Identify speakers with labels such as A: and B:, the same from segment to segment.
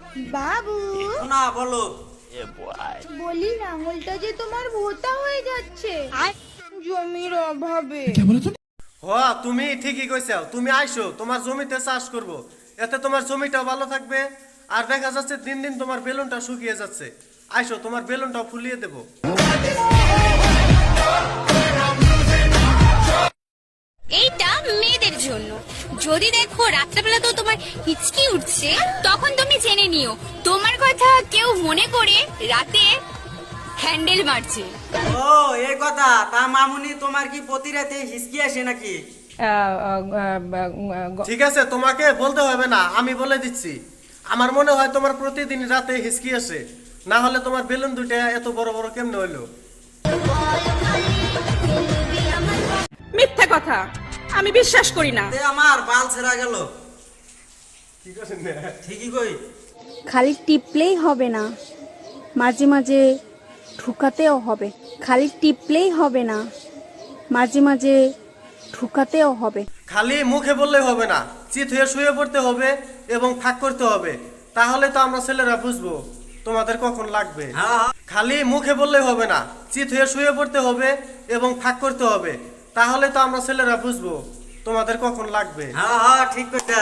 A: বাবু
B: না বলো।
A: বলি লাঙলটা যে তোমার ভোতা হয়ে যাচ্ছে জমির অভাবে।
C: তুমি ঠিকই কইছো, তুমি আইসো, তোমার জমিতে চাষ করব, এতে তোমার জমিটাও ভালো থাকবে। আর দেখা যাচ্ছে দিন দিন তোমার বেলুনটা শুকিয়ে যাচ্ছে। আইসো, তোমার বেলুনটাও ফুলিয়ে দেব।
D: এইটা মেয়েদের জন্য। যদি দেখো রাত্রেবেলা তো তোমার হিচকি উঠছে, তখন তুমি জেনে নিও তোমার কথা কেউ মনে করে রাতে হ্যান্ডেল মারছে।
B: ও এই কথা। তা মামুনি, তোমার কি প্রতি রাতে হিসকি আসে নাকি?
C: ঠিক আছে, তোমাকে বলতে হবে না, আমি বলে দিচ্ছি। আমার মনে হয় তোমার প্রতিদিন রাতে হিসকি আসে, না হলে তোমার বেলুন দুটো এত বড় বড় কেমনে হইলো?
E: মিথ্যা কথা, আমি বিশ্বাস করি না।
B: আমার বাল ছেড়া গেল। ঠিকই কই।
F: খালি টিপলেই হবে না, মাঝে মাঝে ঠুকাতেও হবে। খালি টিপলেই হবে না, মাঝে মাঝে ঠুকাতেও হবে।
C: খালি মুখে বললেই হবে না, চিত হয়ে শুয়ে পড়তে হবে এবং ফাঁক করতে হবে। তাহলে তো আমরা ছেলেরা বুঝবো তোমাদের কখন লাগবে। খালি মুখে বললেই হবে না, চিত হয়ে শুয়ে পড়তে হবে এবং ফাঁক করতে হবে। তাহলে তো আমরা ছেলেরা বুঝবো তোমাদের কখন লাগবে।
B: হ্যাঁ ঠিক কইতা।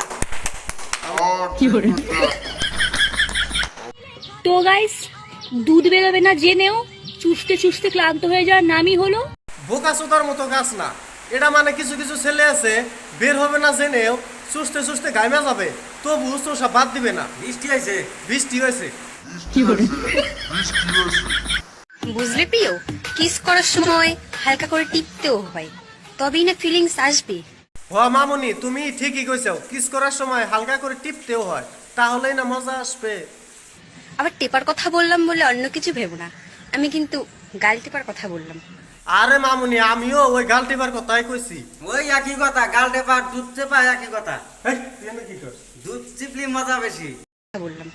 G: তো গাইস, দুধ বেরোবে না জেনেও চুষতে চুষতে ক্লান্ত হয়ে যাওয়ার নামই হলো
C: বোকা চোদার মতো গাছ না এটা। মানে কিছু কিছু ছেলে আছে বের হবে না জেনেও চুষতে চুষতে গাইমা যাবে, তবু চোষা বাদ দিবে না।
B: বৃষ্টি হয়েছে।
C: বৃষ্টি হয়েছে।
D: বুঝলে প্রিয়, কিস করার সময় হালকা করে টিপতেও হয়, তবেই না ফিলিংস আসবে।
C: মামুনি, তুমি ঠিকই কইছো, কিস করার সময় হালকা করে টিপতেও হয়, তাহলেই না মজা আসবে।
D: আবার টেপার কথা বললাম বলে অন্য কিছু ভেবো না, আমি কিন্তু গাল টেপার কথা বললাম।
C: আরে মামুনি, আমিও ওই গাল টিপার কথাই কইছি।
B: ওই একই কথা, গাল টেপা দুধ চেপা একই কথা।
C: হেই, তুই এনে কি করছ?
B: দুধ চিপলি মজা বেশি।
D: বললাম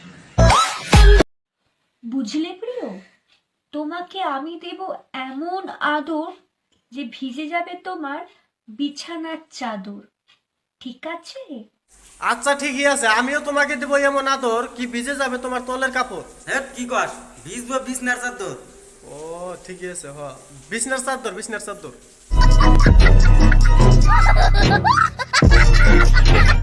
G: বুঝলে প্রিয়, তোমাকে আমি দেব এমন আদর যে ভিজে যাবে তোমার বিছানার চাদর। ঠিক আছে?
C: আচ্ছা ঠিকই আছে, আমিও তোমাকে দেবো এমন আদর কি ভিজে যাবে তোমার তলের কাপড়।
B: হেট কি কস? ভিজবো বিছনার চাদর।
C: ও ঠিকই আছে, বিছনার চাদর, বিছনার চাদর।